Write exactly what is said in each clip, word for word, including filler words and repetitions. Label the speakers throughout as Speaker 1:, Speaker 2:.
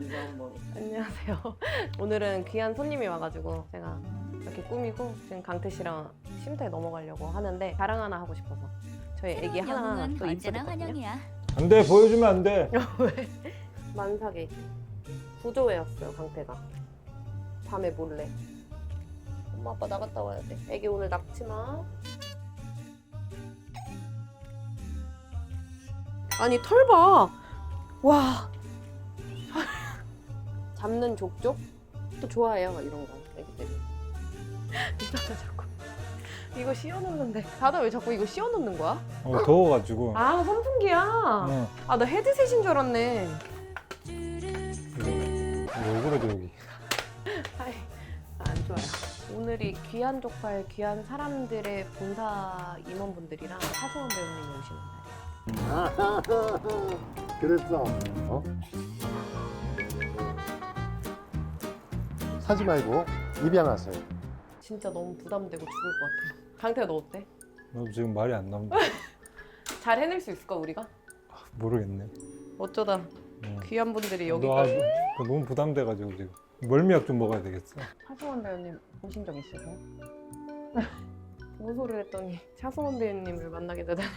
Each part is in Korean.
Speaker 1: 인사 한번.
Speaker 2: 안녕하세요. 오늘은 귀한 손님이 와가지고 제가 이렇게 꾸미고 지금 강태 씨랑 쉼터에 넘어가려고 하는데 자랑 하나 하고 싶어서 저희 애기 하나
Speaker 3: 영웅은
Speaker 2: 또
Speaker 3: 언제나
Speaker 2: 입소했거든요.
Speaker 3: 환영이야.
Speaker 4: 안돼, 보여주면 안돼.
Speaker 2: 왜? 만삭이 구조회였어요 강태가. 밤에 몰래. 엄마 아빠 나갔다 와야 돼. 애기 오늘 낙지마. 아니 털 봐. 와. 잡는 족족? 또 좋아해요 이런 거 애기들이. 이따가 자꾸 이거 씌워놓는데 다들 왜 자꾸 이거 씌워놓는 거야?
Speaker 4: 어, 더워가지고.
Speaker 2: 아 선풍기야.
Speaker 4: 어,
Speaker 2: 아 나 헤드셋인 줄 알았네.
Speaker 4: 왜 그래도 여기.
Speaker 2: 아이, 안 좋아요. 오늘이 귀한 족발, 귀한 사람들의 본사 임원분들이랑 하소원 배우님이 오시는 날이에요.
Speaker 5: 그랬어. 어? 사지 말고 입양하세요.
Speaker 2: 진짜 너무 부담되고 죽을 것 같아요. 강태야 너 어때?
Speaker 4: 너 지금 말이 안 나온다.
Speaker 2: 잘 해낼 수 있을까 우리가?
Speaker 4: 모르겠네.
Speaker 2: 어쩌다
Speaker 4: 어.
Speaker 2: 귀한 분들이
Speaker 4: 너
Speaker 2: 여기까지.
Speaker 4: 아, 너무 부담돼가지고 지금 멀미약 좀 먹어야 되겠어.
Speaker 2: 차승원 배우님 보신 적 있으세요? 모소를 했더니 차승원 배우님을 만나게 되다니.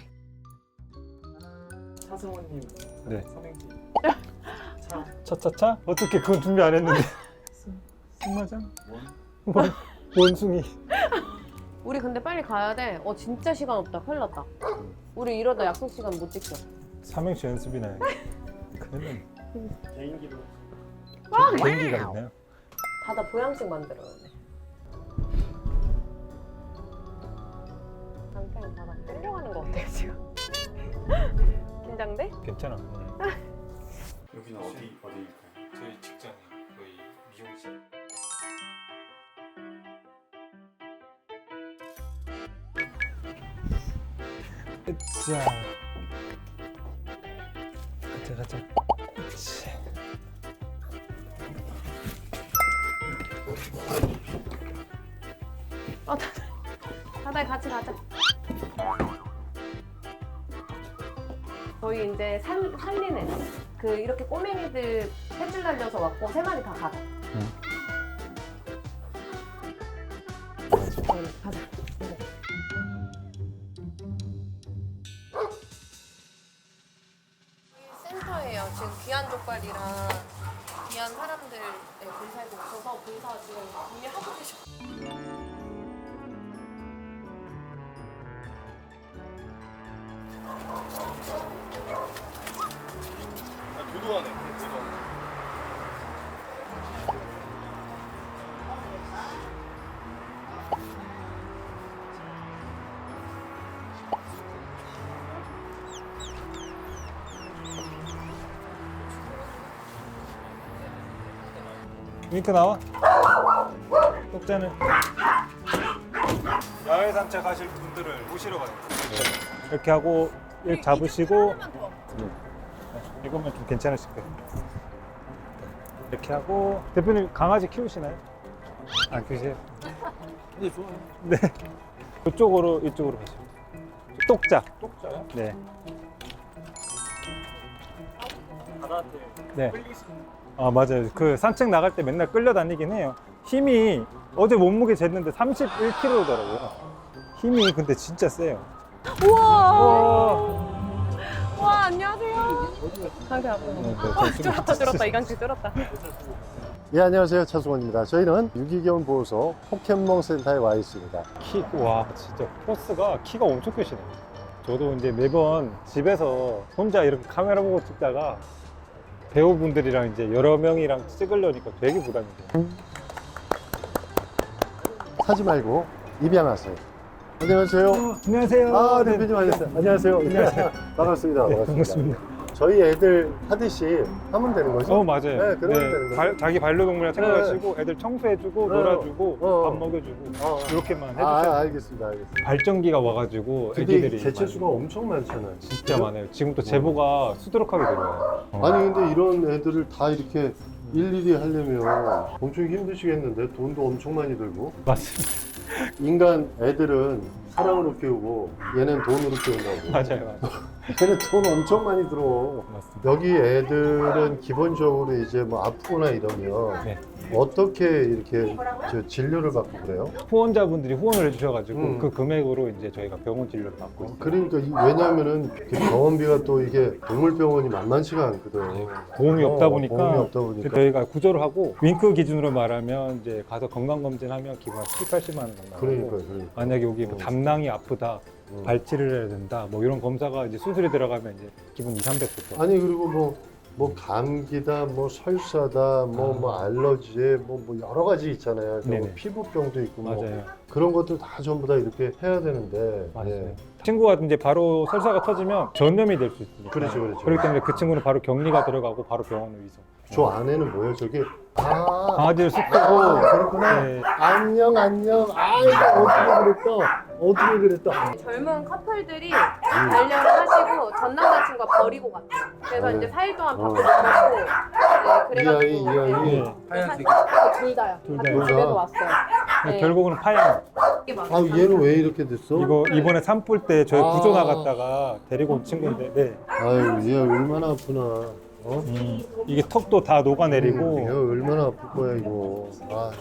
Speaker 1: 차승원님.
Speaker 4: 네.
Speaker 1: 삼행시. 차.
Speaker 4: 차차차? 어떻게 그건 준비 안 했는데. 승마장?
Speaker 1: 원.
Speaker 4: 원, 원숭이.
Speaker 2: 우리 근데 빨리 가야 돼. 어 진짜 시간 없다. 큰일 났다. 우리 이러다 약속 시간 못 지켜.
Speaker 4: 삼행시 연습이나 해. 큰일
Speaker 1: 개인기로.
Speaker 4: 났네. 개인기가 있나요?
Speaker 2: 다다 보양식 만들어야 돼. 강태는 다다 끌려가는 거 어때요 지금? 긴장돼?
Speaker 4: 괜찮아.
Speaker 1: 여기는 어디 어디일까요?
Speaker 4: 저희 직장이 거의 미용실. 자, 가자 가자. 그치.
Speaker 2: 어 다다. 다다 같이 가자. 저희 이제 살, 살리는 그 이렇게 꼬맹이들 세 줄 날려서 왔고 세 마리 다 가자.
Speaker 4: 응.
Speaker 2: 응, 가자. 네. 센터예요. 지금 귀한 족발이랑 귀한 사람들 본사에 오셔서 본사 지금 이미 하고 계셔.
Speaker 1: 아, 교도하네. 교도.
Speaker 4: 윙크 나와. 똑자는 야외 산책 하실 분들을 모시러 가요. 이렇게 하고 일 잡으시고 이거면 좀 괜찮으실 거예요. 이렇게 하고 대표님 강아지 키우시나요? 안 키우세요?
Speaker 1: 네 좋아요.
Speaker 4: 네. 이쪽으로 이쪽으로 가시면 똑자.
Speaker 1: 똑자요?
Speaker 4: 네.
Speaker 1: 바다한테
Speaker 4: 네.
Speaker 1: 끌리시는.
Speaker 4: 아 맞아요. 그 산책 나갈 때 맨날 끌려다니긴 해요. 힘이 어제 몸무게 쟀는데 삼십일 킬로그램더라고요. 힘이 근데 진짜 세요.
Speaker 2: 우와.
Speaker 4: 와.
Speaker 2: 와 안녕하세요. 강태 앞으로.
Speaker 4: 네, 네,
Speaker 2: 어,
Speaker 4: 좋습니다.
Speaker 2: 쫄았다 쫄았다 이강태 쫄았다.
Speaker 5: 예, 안녕하세요. 차승원입니다. 저희는 유기견 보호소 포켓몬 센터에 와 있습니다.
Speaker 4: 키, 와 진짜 포스가 키가 엄청 크시네요. 저도 이제 매번 집에서 혼자 이렇게 카메라 보고 찍다가 배우분들이랑 이제 여러 명이랑 찍으려니까 되게 부담이 돼요.
Speaker 5: 사지 말고 입양하세요. 안녕하세요.
Speaker 4: 안녕하세요.
Speaker 5: 아,
Speaker 4: 네.
Speaker 5: 대표님 안녕하세요. 안녕하세요.
Speaker 4: 안녕하세요.
Speaker 5: 반갑습니다.
Speaker 4: 네,
Speaker 5: 반갑습니다.
Speaker 4: 반갑습니다.
Speaker 5: 저희 애들 하듯이 하면 되는 거죠?
Speaker 4: 어 맞아요.
Speaker 5: 네, 그러면 되는 거죠.
Speaker 4: 발- 자기 반려동물이랑 생각하시고 애들 청소해주고
Speaker 5: 네.
Speaker 4: 놀아주고
Speaker 5: 어.
Speaker 4: 밥 먹여주고
Speaker 5: 어, 어.
Speaker 4: 이렇게만 해주세요.
Speaker 5: 아, 알겠습니다. 알겠습니다.
Speaker 4: 발전기가 와가지고
Speaker 5: 근데
Speaker 4: 애기들이
Speaker 5: 개체수가
Speaker 4: 많이-
Speaker 5: 엄청 많잖아요.
Speaker 4: 진짜 많아요. 지금 또 제보가 수두룩하게 들어와요. 어.
Speaker 5: 아니 근데 이런 애들을 다 이렇게 일일이 하려면 엄청 힘드시겠는데 돈도 엄청 많이 들고.
Speaker 4: 맞습니다.
Speaker 5: 인간 애들은 사랑으로 키우고 얘는 돈으로 키운다고.
Speaker 4: 맞아요. 맞아요.
Speaker 5: 걔는 돈 엄청 많이 들어.
Speaker 4: 맞습니다.
Speaker 5: 여기 애들은 기본적으로 이제 뭐 아프거나 이러면
Speaker 4: 네.
Speaker 5: 어떻게 이렇게 저 진료를 받고 그래요?
Speaker 4: 후원자분들이 후원을 해주셔가지고
Speaker 5: 음.
Speaker 4: 그 금액으로 이제 저희가 병원 진료를 받고 있어요.
Speaker 5: 그러니까 이- 왜냐면은 그 병원비가 또 이게 동물병원이 만만치가 않거든.
Speaker 4: 보험이 없다
Speaker 5: 어,
Speaker 4: 보니까,
Speaker 5: 보험이 없다 보니까.
Speaker 4: 저희가 구조를 하고 윙크 기준으로 말하면 이제 가서 건강검진하면 기본 한 칠, 팔십만 원 정도
Speaker 5: 그러니까
Speaker 4: 나가고
Speaker 5: 그러니까.
Speaker 4: 만약에 여기 뭐
Speaker 5: 어.
Speaker 4: 담낭이 아프다,
Speaker 5: 어.
Speaker 4: 발치를 해야 된다, 뭐 이런 검사가 이제 수술이 들어가면 이제 기본 이삼백부터.
Speaker 5: 아니 그리고 뭐, 뭐 감기다, 뭐 설사다, 뭐, 뭐 알러지, 뭐, 뭐 여러 가지 있잖아요. 뭐
Speaker 4: 네네.
Speaker 5: 피부병도 있고 뭐
Speaker 4: 맞아요.
Speaker 5: 그런 것들 다 전부 다 이렇게 해야 되는데.
Speaker 4: 맞아요.
Speaker 5: 예.
Speaker 4: 친구가 이제 바로 설사가 터지면 전염이 될 수 있습니다.
Speaker 5: 그렇죠, 그렇죠.
Speaker 4: 그렇기 때문에 그 친구는 바로 격리가 들어가고 바로 병원으로 이송.
Speaker 5: 저 안에는 뭐예요? 저게 아,
Speaker 4: 강아지를 쑥
Speaker 5: 아,
Speaker 4: 빼고
Speaker 5: 그렇구나.
Speaker 4: 네.
Speaker 5: 안녕 안녕. 아이고 어떻게 그랬다. 어떻게 그랬다.
Speaker 2: 젊은 커플들이 반려를 하시고 전 남자친구가 버리고 갔대요. 그래서
Speaker 5: 네.
Speaker 2: 이제 사 일 동안
Speaker 5: 어.
Speaker 2: 밥도 못 먹고 네,
Speaker 5: 이 아이 이
Speaker 2: 그래가지고
Speaker 5: 아이.
Speaker 4: 네.
Speaker 1: 하얀색이.
Speaker 2: 둘 다요.
Speaker 4: 둘
Speaker 2: 같은
Speaker 5: 다요?
Speaker 2: 집에서 왔어요. 네.
Speaker 4: 결국은 파양.
Speaker 2: 이게
Speaker 5: 아
Speaker 2: 맞아요.
Speaker 5: 얘는 왜 이렇게 됐어?
Speaker 4: 이거 이번에 산불 때 저희
Speaker 5: 아.
Speaker 4: 구조 나갔다가 데리고 온 친구인데, 네.
Speaker 5: 아유 얘 얼마나 아프나. 어?
Speaker 4: 음, 이게 턱도 다 녹아내리고
Speaker 5: 음, 얘 얼마나 아플 거야 이거. 아.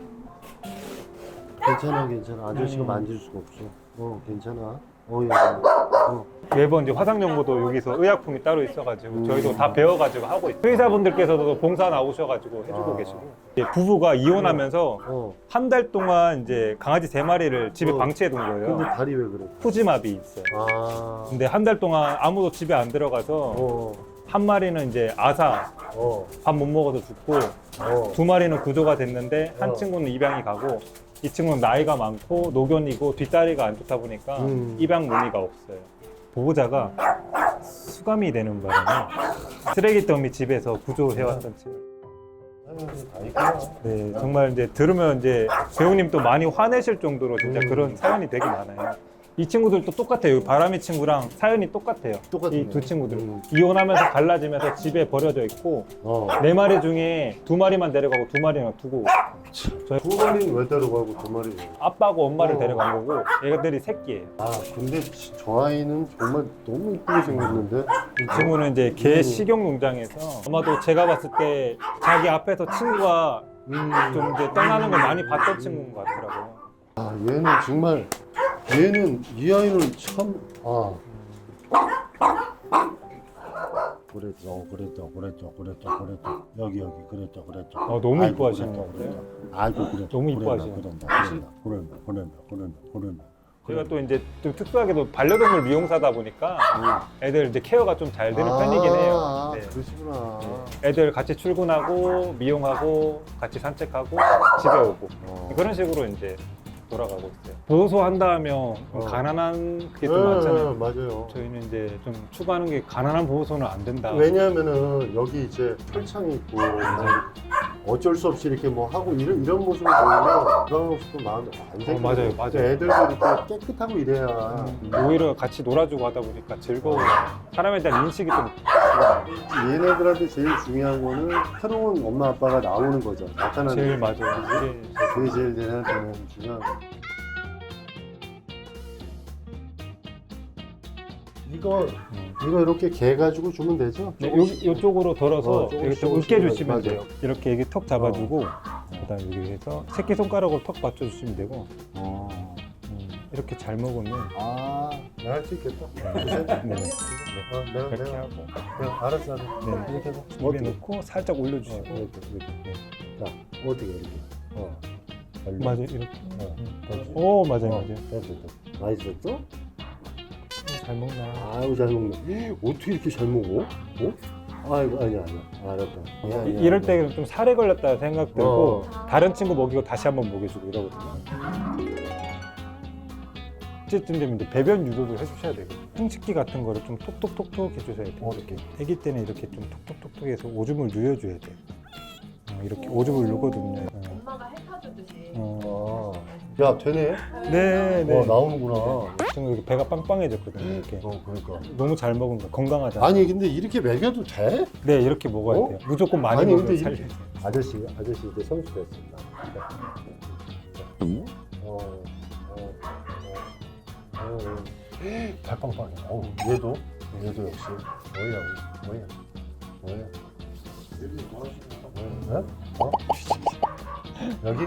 Speaker 5: 괜찮아 괜찮아. 아저씨가
Speaker 4: 음.
Speaker 5: 만질 수가 없어. 어 괜찮아. 어 야. 어.
Speaker 4: 매번 이제 화상 연구도 여기서 의약품이 따로 있어가지고
Speaker 5: 음.
Speaker 4: 저희도 다 배워가지고 하고 있어요. 의사분들께서도 봉사 나오셔가지고 해주고
Speaker 5: 아.
Speaker 4: 계시고, 이제 부부가 이혼하면서
Speaker 5: 어.
Speaker 4: 한 달 동안 이제 강아지 세 마리를 집에
Speaker 5: 어.
Speaker 4: 방치해 둔
Speaker 5: 근데
Speaker 4: 거예요.
Speaker 5: 다리 왜 그래?
Speaker 4: 푸짐합이 있어요.
Speaker 5: 아.
Speaker 4: 근데 한 달 동안 아무도 집에 안 들어가서
Speaker 5: 어.
Speaker 4: 한 마리는 이제 아사
Speaker 5: 어.
Speaker 4: 밥 못 먹어서 죽고,
Speaker 5: 어.
Speaker 4: 두 마리는 구조가 됐는데 한
Speaker 5: 어.
Speaker 4: 친구는 입양이 가고, 이 친구는 나이가 많고 노견이고 뒷다리가 안 좋다 보니까
Speaker 5: 음.
Speaker 4: 입양 문의가 없어요. 보호자가 수감이 되는 바람에 쓰레기 더미 집에서 구조해왔던 친구.
Speaker 5: 아유, 다 있구나.
Speaker 4: 네, 정말 이제 들으면 이제 배우님도 많이 화내실 정도로 진짜
Speaker 5: 음.
Speaker 4: 그런 사연이 되게 많아요. 이 친구들도 똑같아요. 바람이 친구랑 사연이 똑같아요.
Speaker 5: 똑같네.
Speaker 4: 이 두 친구들
Speaker 5: 음.
Speaker 4: 이혼하면서 갈라지면서 집에 버려져 있고,
Speaker 5: 어.
Speaker 4: 네 마리 중에 두 마리만 데려가고 두 마리는 두고, 저희
Speaker 5: 두 마리는 왜 데려가고 두 마리?
Speaker 4: 아빠하고 엄마를
Speaker 5: 어.
Speaker 4: 데려간 거고, 얘들이 새끼예요.
Speaker 5: 아 근데 지- 저 아이는 정말 너무 이쁘게 생겼는데.
Speaker 4: 이 친구는 이제 개
Speaker 5: 음.
Speaker 4: 식용 농장에서 아마도 제가 봤을 때 자기 앞에서 친구가
Speaker 5: 음.
Speaker 4: 좀 이제 떠나는 걸 많이 봤던 친구인 것 같더라고요.
Speaker 5: 아 얘는 정말 얘는 이 아이는 참 아. 그랬죠, 그랬죠, 그랬죠, 그랬죠, 그랬죠. 여기 여기 그랬죠, 그랬죠.
Speaker 4: 어, 너무
Speaker 5: 아이고,
Speaker 4: 이뻐하시는
Speaker 5: 그랬죠,
Speaker 4: 것 같아요.
Speaker 5: 그랬죠. 아이고 그랬죠.
Speaker 4: 너무 이뻐하시는
Speaker 5: 그랬다, 그랬다, 그랬다, 그랬다, 그랬다, 그랬다.
Speaker 4: 제가 또 이제 좀 특수하게도 반려동물 미용사다 보니까 애들 이제 케어가 좀 잘 되는
Speaker 5: 아,
Speaker 4: 편이긴 해요.
Speaker 5: 아,
Speaker 4: 네.
Speaker 5: 그러시구나.
Speaker 4: 애들 같이 출근하고 미용하고 같이 산책하고 집에 오고
Speaker 5: 어.
Speaker 4: 그런 식으로 이제 돌아가고 있어요. 보호소 한다 하면 좀
Speaker 5: 어.
Speaker 4: 가난한 그게 좀
Speaker 5: 네,
Speaker 4: 많잖아요.
Speaker 5: 맞아요.
Speaker 4: 저희는 이제 좀 추구하는 게 가난한 보호소는 안 된다.
Speaker 5: 왜냐하면은 여기 이제 철창이 있고 뭐 어쩔 수 없이 이렇게 뭐 하고 이런 이런 모습을 보면 그런 모습도 마음이 안 생겨요.
Speaker 4: 어, 맞아요, 맞아요.
Speaker 5: 애들도 이렇게 깨끗하고 이래야.
Speaker 4: 음, 오히려 같이 놀아주고 하다 보니까 즐거워요. 사람에 대한 인식이 좀 좋아요.
Speaker 5: 얘네들한테 제일 중요한 거는 새로운 엄마 아빠가 나오는 거죠. 나타나는
Speaker 4: 제일
Speaker 5: 거.
Speaker 4: 맞아요. 이게
Speaker 5: 그게 제일 얘네한테는 중요한 거. 이거
Speaker 4: 음.
Speaker 5: 이거 이렇게 개 가지고 주면 되죠?
Speaker 4: 네, 여기 이쪽으로 덜어서
Speaker 5: 어, 조금씩,
Speaker 4: 여기 좀
Speaker 5: 조금씩
Speaker 4: 으깨 주시면
Speaker 5: 맞아요.
Speaker 4: 돼요. 이렇게 여기 턱 잡아주고 그다음 여기 해서 새끼 손가락으로 턱 맞춰주시면 되고,
Speaker 5: 어.
Speaker 4: 음, 이렇게 잘 먹으면
Speaker 5: 아, 내가 할 수 있겠다.
Speaker 4: 네, 네,
Speaker 5: 어, 내가
Speaker 4: 이렇게
Speaker 5: 내가
Speaker 4: 하고
Speaker 5: 내가 알았어, 알았어.
Speaker 4: 네.
Speaker 5: 이렇게 해서
Speaker 4: 입에
Speaker 5: 어떻게?
Speaker 4: 넣고 살짝 올려주시고,
Speaker 5: 어, 이렇게 이렇게.
Speaker 4: 네.
Speaker 5: 자, 어떻게 이렇게? 어. 걸려.
Speaker 4: 맞아요, 이렇게.
Speaker 5: 어.
Speaker 4: 음.
Speaker 5: 됐지?
Speaker 4: 오, 맞아요,
Speaker 5: 어,
Speaker 4: 맞아요.
Speaker 5: 됐어, 됐어. 맛있었어?
Speaker 4: 잘 먹나?
Speaker 5: 아유 잘 먹네. 어떻게 이렇게 잘 먹어? 어? 아이고 아니야 아니야. 알았다. 아니야, 아니야,
Speaker 4: 이- 이럴
Speaker 5: 아니야.
Speaker 4: 때는 좀 살에 걸렸다 생각 들고
Speaker 5: 어.
Speaker 4: 다른 친구 먹이고 다시 한번 먹여주고 이러거든요. 어쨌든 되면 이제 배변 유도도 해주셔야 되고, 흉식기 같은 거를 좀 톡톡톡톡 해주셔야 돼요.
Speaker 5: 어떻게?
Speaker 4: 아기 때는 이렇게 좀 톡톡톡톡 해서 오줌을 누여줘야 돼요. 어, 이렇게 오줌을 누거든요. 어.
Speaker 2: 엄마가 핥아주듯이.
Speaker 4: 어.
Speaker 5: 아, 야 되네.
Speaker 4: 네, 네.
Speaker 5: 어 나오는구나.
Speaker 4: 지금 이렇게 배가 빵빵해졌거든요. 이렇게
Speaker 5: 어 그러니까.
Speaker 4: 너무 잘 먹은 거 건강하잖아요.
Speaker 5: 아니 근데 이렇게 먹여도 돼?
Speaker 4: 네, 이렇게 먹어야
Speaker 5: 어?
Speaker 4: 돼요. 무조건 많이
Speaker 5: 아니,
Speaker 4: 먹으면
Speaker 5: 근데
Speaker 4: 살려.
Speaker 5: 이렇게- 아저씨 아저씨 이제 선수 됐습니다. 어, 어, 어, 어, 어. 발 빵빵해. 어, 얘도 얘도 역시 뭐야 뭐야 뭐야 뭐야? 어? 여기?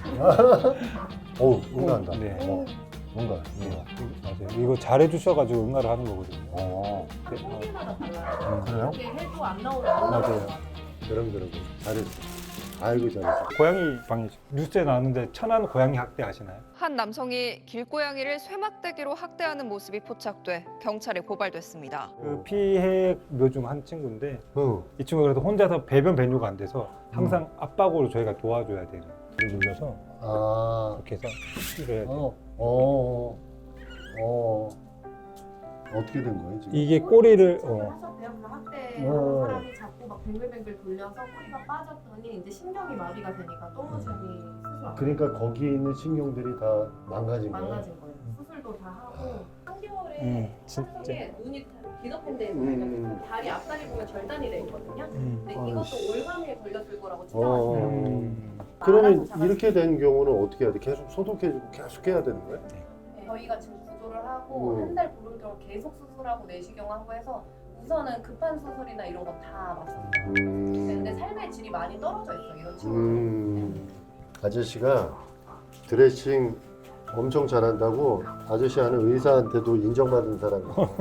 Speaker 5: 어우 응가한다.
Speaker 4: 네.
Speaker 5: 어, 응가 응가.
Speaker 4: 맞아요. 이거 잘해주셔가지고 응가를 하는 거거든요.
Speaker 5: 어
Speaker 4: 네, 어,
Speaker 5: 그래요?
Speaker 2: 이게 해도 안 나오는
Speaker 4: 맞아요.
Speaker 5: 그럼 그럼 잘했어. 아이고 잘했어.
Speaker 4: 고양이 방이 뉴스에 나왔는데 천안 고양이 학대 아시나요?
Speaker 3: 한 남성이 길고양이를 쇠막대기로 학대하는 모습이 포착돼 경찰에 고발됐습니다.
Speaker 4: 그 피해 묘중 한 친구인데
Speaker 5: 응.
Speaker 4: 이 친구가 그래도 혼자서 배변 배뇨가 안 돼서 항상 압박으로 저희가 도와줘야 돼요. 불을 눌러서
Speaker 5: 아.
Speaker 4: 이렇게 해서 이래야 돼요.
Speaker 5: 어. 어. 어. 어떻게 된 거예요 지금?
Speaker 4: 이게 꼬리를 어,
Speaker 2: 하셨대요. 그 학대
Speaker 5: 어.
Speaker 2: 사람이 자꾸 막 뱅글뱅글 돌려서 꼬리가 빠졌더니 이제 신경이 마비가 되니까 똥오줌이 수술 안
Speaker 5: 그러니까 거기 있는 신경들이 다 망가진 거예요.
Speaker 2: 망가진 거예요. 수술도 다 하고 삼 개월에
Speaker 4: 음, 진짜.
Speaker 2: 한쪽에 눈이 비너팬데에
Speaker 5: 음.
Speaker 2: 걸려서 다리 앞다리 보면 절단이 돼 있거든요.
Speaker 4: 음.
Speaker 2: 근데
Speaker 5: 아이씨.
Speaker 2: 이것도 올가미에 걸렸을 거라고
Speaker 5: 어.
Speaker 2: 추정하시더라고요.
Speaker 4: 음.
Speaker 5: 그러면 이렇게 된 경우는 어떻게 해야 돼? 계속 소독해주고 계속 해야 되는 거예요?
Speaker 2: 네, 저희가 지금 구조를 하고
Speaker 5: 음.
Speaker 2: 한 달 보름 동안 계속 수술하고 내시경하고 해서 우선은 급한 수술이나 이런 거 다 맞췄어요. 근데
Speaker 5: 음.
Speaker 2: 삶의 질이 많이 떨어져 있어요. 이런 친구들.
Speaker 5: 음. 아저씨가 드레싱 엄청 잘한다고 아저씨 하는 의사한테도 인정받은 사람이에요.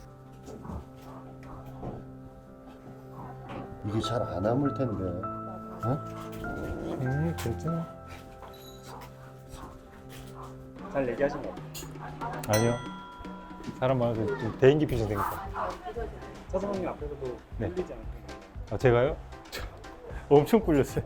Speaker 5: 이게 잘 안 아물 텐데. 어?
Speaker 4: 음, 진짜?
Speaker 1: 잘 얘기하신 것 같아요.
Speaker 4: 아니요. 사람 많아서 좀 대인기 피신 생겼어.
Speaker 1: 서성님 앞에서도
Speaker 4: 네.
Speaker 1: 흘리지 않고.
Speaker 4: 아, 제가요? 엄청 꿀렸어요.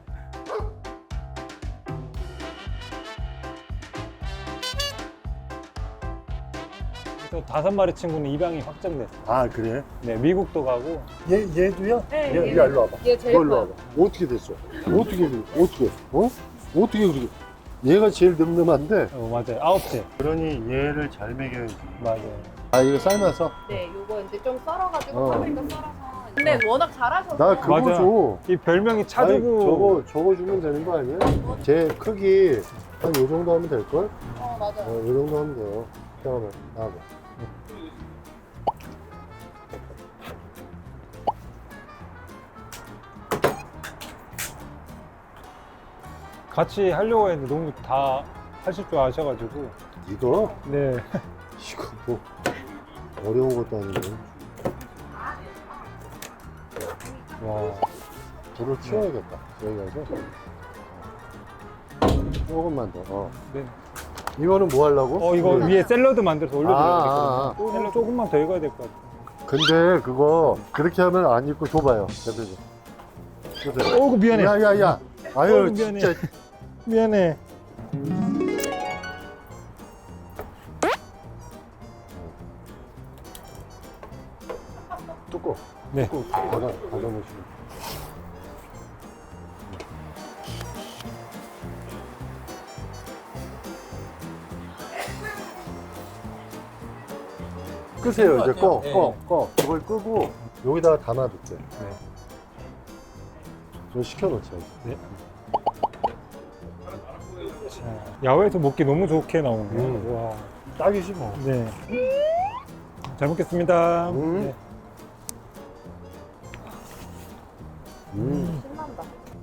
Speaker 4: 그래서 다섯 마리 친구는 입양이 확정됐어요.
Speaker 5: 아 그래?
Speaker 4: 네, 미국도 가고.
Speaker 5: 얘 얘도요?
Speaker 2: 네,
Speaker 5: 얘, 얘
Speaker 2: 얘-
Speaker 5: 일로 와봐.
Speaker 2: 얘 제일
Speaker 5: 너 일로
Speaker 2: 커요.
Speaker 5: 와봐. 어떻게 됐어? 어떻게 어떻게? 어? 어떻게 그렇게? 얘가 제일 늠름한데.
Speaker 4: 어, 맞아요. 아홉째.
Speaker 5: 그러니 얘를 잘 먹여야지.
Speaker 4: 맞아요.
Speaker 5: 아 이거 삶아서?
Speaker 2: 네, 요거 이제 좀 썰어가지고
Speaker 5: 어.
Speaker 2: 파프리카 썰어서. 근데 워낙 잘하셔서.
Speaker 5: 나 그거
Speaker 4: 맞아.
Speaker 5: 줘.
Speaker 4: 이 별명이
Speaker 5: 아니,
Speaker 4: 차두고.
Speaker 5: 저거 저거 주면 되는 거 아니야? 제 크기 한 요 정도 하면 될 걸?
Speaker 2: 어, 맞아요.
Speaker 5: 어, 요 정도 하면 돼요. 잠깐만 나와봐.
Speaker 4: 같이 하려고 했는데 너무 다 하실 줄 아셔가지고.
Speaker 5: 이거
Speaker 4: 네.
Speaker 5: 이거 뭐 어려운 것도 아닌데.
Speaker 4: 와.
Speaker 5: 불을 키워야겠다. 여기 가서 조금만 더. 어.
Speaker 4: 네.
Speaker 5: 이거는 뭐 하려고?
Speaker 4: 어, 이거
Speaker 5: 네.
Speaker 4: 위에 샐러드 만들어서 올려드려야
Speaker 5: 아,
Speaker 4: 되거든요.
Speaker 5: 아, 아.
Speaker 4: 샐러드 조금만 더 익어야 될 것 같아요.
Speaker 5: 근데 그거 그렇게 하면 안 입고 줘봐요. 대표님. 주세요.
Speaker 4: 어, 그 미안해.
Speaker 5: 야야야. 아유
Speaker 4: 어, 미안해.
Speaker 5: 진짜.
Speaker 4: 미안해.
Speaker 5: 뚜껑.
Speaker 4: 네.
Speaker 5: 뚜껑 닫아 닫아놓으시면. 끄세요 이제 꺼, 꺼, 꺼. 이걸 끄고 여기다가 담아둘게.
Speaker 4: 네.
Speaker 5: 좀 식혀놓자.
Speaker 4: 네. 자, 야외에서 먹기 너무 좋게 나오네요.
Speaker 5: 음.
Speaker 4: 와.
Speaker 5: 딱이지 뭐.
Speaker 4: 네. 잘 먹겠습니다.
Speaker 5: 음.
Speaker 4: 네.
Speaker 5: 음.
Speaker 2: 신난다.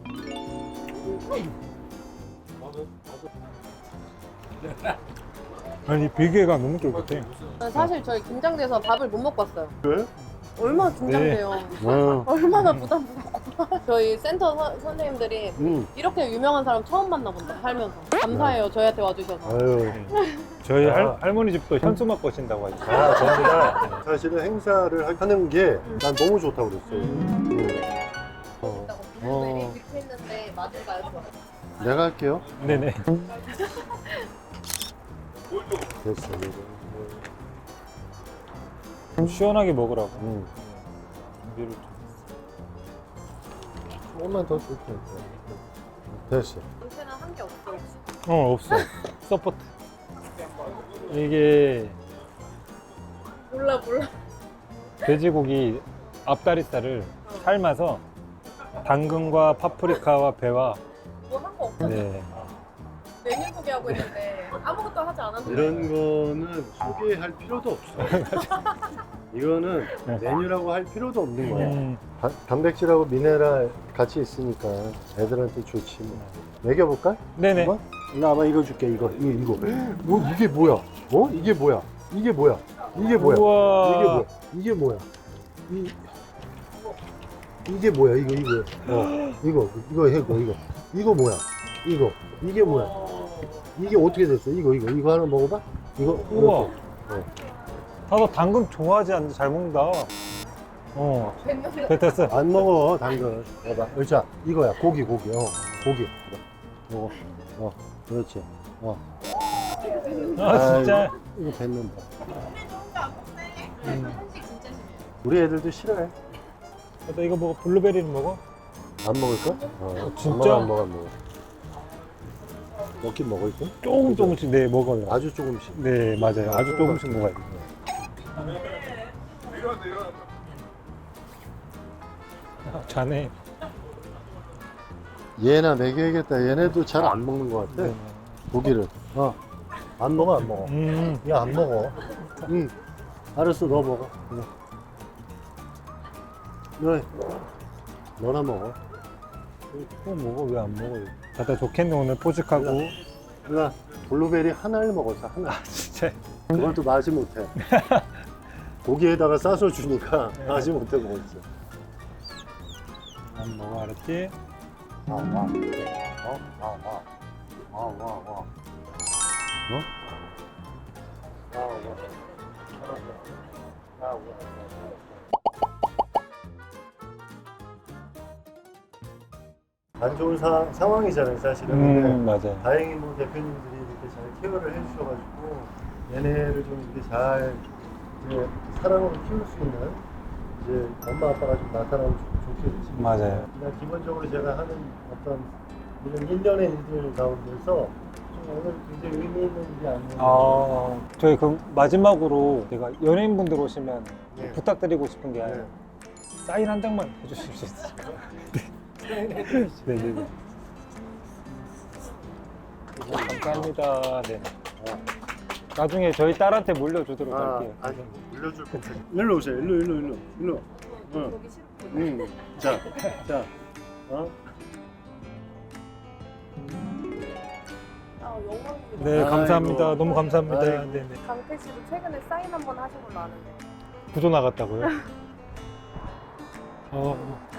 Speaker 4: 아니, 비계가 너무 쫄깃해.
Speaker 2: 사실 저희 긴장돼서 밥을 못 먹고 왔어요.
Speaker 5: 왜?
Speaker 2: 얼마나 긴장돼요.
Speaker 5: 어.
Speaker 2: 얼마나 부담스럽고. 저희 센터 선, 선생님들이
Speaker 5: 음.
Speaker 2: 이렇게 유명한 사람 처음 만나본다, 살면서. 감사해요, 저희한테 와주셔서.
Speaker 5: 아유.
Speaker 4: 저희
Speaker 5: 아.
Speaker 4: 할, 할머니 집도 현수막 거신다고 하죠.
Speaker 5: 아, 저희가 사실은 행사를 하- 하는 게 난 너무 좋다고 그랬어요. 음. 어.
Speaker 2: 블루베리
Speaker 5: 어.
Speaker 2: 빅 했는데 맞을까요?
Speaker 5: 내가 할게요.
Speaker 4: 네네.
Speaker 5: 됐어.
Speaker 4: 좀 시원하게 먹으라고.
Speaker 5: 음.
Speaker 4: 준비를 좀.
Speaker 5: 조금만 더 줄게. 됐어.
Speaker 2: 인체는 한 게 없어, 혹시?
Speaker 4: 어, 없어. 서포트. 이게
Speaker 2: 몰라, 몰라.
Speaker 4: 돼지고기 앞다리살을 삶아서 당근과 파프리카와 배와
Speaker 2: 뭐 한 거 없어?
Speaker 4: 네.
Speaker 2: 메뉴 소개하고 있는데 아무것도 하지 않았는데.
Speaker 5: 이런 거는 소개할 필요도 없어. 이거는
Speaker 4: 네.
Speaker 5: 메뉴라고 할 필요도 없는 거야.
Speaker 4: 음,
Speaker 5: 다- 단백질하고 미네랄 같이 있으니까 애들한테 좋지 뭐. 먹여볼까?
Speaker 4: 네네.
Speaker 5: 이거? 일로 와봐. 이거 줄게. 이거 이거 이거. 뭐 이게 뭐야? 어? 이게 뭐야? 이게 뭐야? 이게 뭐야?
Speaker 4: 우와.
Speaker 5: 이게 뭐야? 이게 뭐야? 이 이게 뭐야? 이거 이거. 어. 이거 이거 해고 이거. 이거 뭐야? 이거 이게 뭐야? 이게 어떻게 됐어? 이거 이거 이거 하나 먹어봐. 이거
Speaker 4: 우와.
Speaker 5: 이렇게.
Speaker 4: 다들 당근 좋아하지 않는데 잘 먹는다. 어. 됐- 됐어.
Speaker 5: 안 먹어 당근. 봐봐. 의자 이거야. 고기 고기. 어 고기. 먹어. 어 그렇지. 어
Speaker 4: 아, 진짜.
Speaker 5: 이거 뱉는다.
Speaker 4: 음.
Speaker 5: 우리 애들도 싫어해.
Speaker 4: 나 이거 먹어. 블루베리는 먹어?
Speaker 5: 안 먹을까? 어,
Speaker 4: 진짜?
Speaker 5: 안 먹어 안 먹어. 먹긴 먹을 거?
Speaker 4: 조금 조금씩 네 먹어요.
Speaker 5: 아주 조금씩.
Speaker 4: 네 맞아요. 아주 조금씩 먹어야 돼. 아, 자네.
Speaker 5: 얘나 먹여야겠다. 얘네도 잘 안 먹는 것 같아.
Speaker 4: 네.
Speaker 5: 고기를. 어. 안 먹어 안 먹어.
Speaker 4: 음.
Speaker 5: 야 안 먹어. 응. 알았어 너 먹어. 그래. 그래. 너나 먹어.
Speaker 4: 또 먹어 왜 안 먹어? 다들 좋겠네 오늘 포직하고.
Speaker 5: 누나 블루베리 하나를 먹었어 하나.
Speaker 4: 진짜.
Speaker 5: 그걸 또 맛이 못해. 고기에다가 싸서 주니까 맛이 못해 먹었어.
Speaker 4: 안 먹어 알았지?
Speaker 5: 와, 와. 어? 와, 와. 와, 와, 와. 어? 와, 와. 와, 와. 안 좋은 사, 상황이잖아요, 사실은. 근데
Speaker 4: 음 맞아요.
Speaker 5: 다행히 뭐 대표님들이 이렇게 잘 케어를 해주셔가지고 얘네를 좀 이렇게 잘 이제 사랑으로 키울 수 있는 이제 엄마 아빠가 좀 나타나면 좋- 좋겠지.
Speaker 4: 맞아요.
Speaker 5: 그냥 기본적으로 제가 하는 어떤 이런 일련의 일들 가운데서 좀 오늘 굉장히 의미 있는 일이 아니에요.
Speaker 4: 아 저희 그 마지막으로 제가 연예인분들 오시면
Speaker 5: 네.
Speaker 4: 부탁드리고 싶은 게
Speaker 5: 네.
Speaker 4: 사인 한 장만 해주실 수 있을까요? 네네네. 감사합니다. 네. 나중에 저희 딸한테 물려주도록
Speaker 5: 아,
Speaker 4: 할게요.
Speaker 5: 아니, 물려줄 거. 일로 오세요. 일로, 일로, 일로, 일로. 응. 응. 자, 자, 어?
Speaker 2: 아, 영광입니다.
Speaker 4: 네,
Speaker 5: 아이고.
Speaker 4: 감사합니다. 너무 감사합니다.
Speaker 5: 아이고.
Speaker 4: 네네.
Speaker 2: 강태 씨도 최근에 사인 한 번 하신 걸로 아는데.
Speaker 4: 구조 나갔다고요? 어.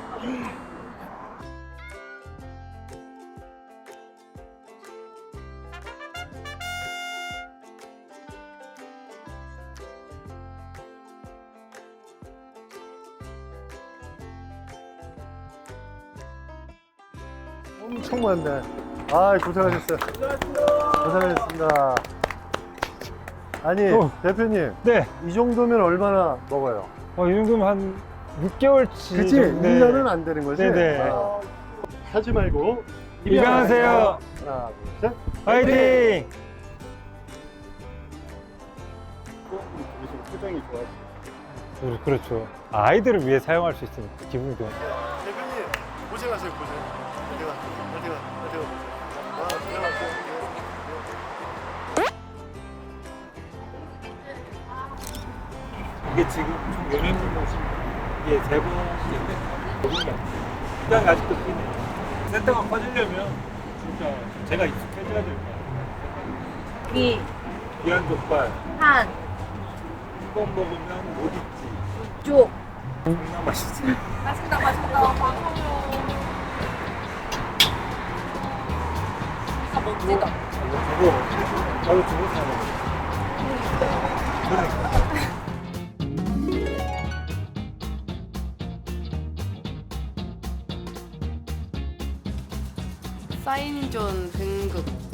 Speaker 5: 엄청 많네. 아, 고생하셨어요. 고생하셨습니다. 아니,
Speaker 4: 어.
Speaker 5: 대표님,
Speaker 4: 네.
Speaker 5: 이 정도면 얼마나 먹어요?
Speaker 4: 어, 이 정도면 한 육 개월치.
Speaker 5: 그치?
Speaker 4: 정도-
Speaker 5: 일 년은 안 되는 거지?
Speaker 4: 네네.
Speaker 5: 아, 하지 말고.
Speaker 4: 입양하세요.
Speaker 5: 하나, 둘, 셋.
Speaker 4: 화이팅!
Speaker 5: 표정이 좋아요.
Speaker 4: 그- 그렇죠. 아이들을 위해 사용할 수 있으니까 기분이 좋아요.
Speaker 5: 대표님, 고생하세요, 고생. 어디가, 어디가, 어디가. 아, 고생하세요.
Speaker 4: 이게 지금 총 연예인분 오신 이게 세 번인데 거기가 시장이 아직도 크네. 센터가 커지려면 진짜 제가 익숙해져야 될 거야.
Speaker 2: 위,
Speaker 4: 귀한 족발
Speaker 2: 한,
Speaker 4: 이번 먹으면 못 잊지.
Speaker 2: 쪽.
Speaker 4: 존나 맛있지.
Speaker 2: 맛있다, 맛있다. 진짜 멋지다.
Speaker 4: 저거 나도 주고 사 먹어. 그러니까.
Speaker 2: 사인존 등급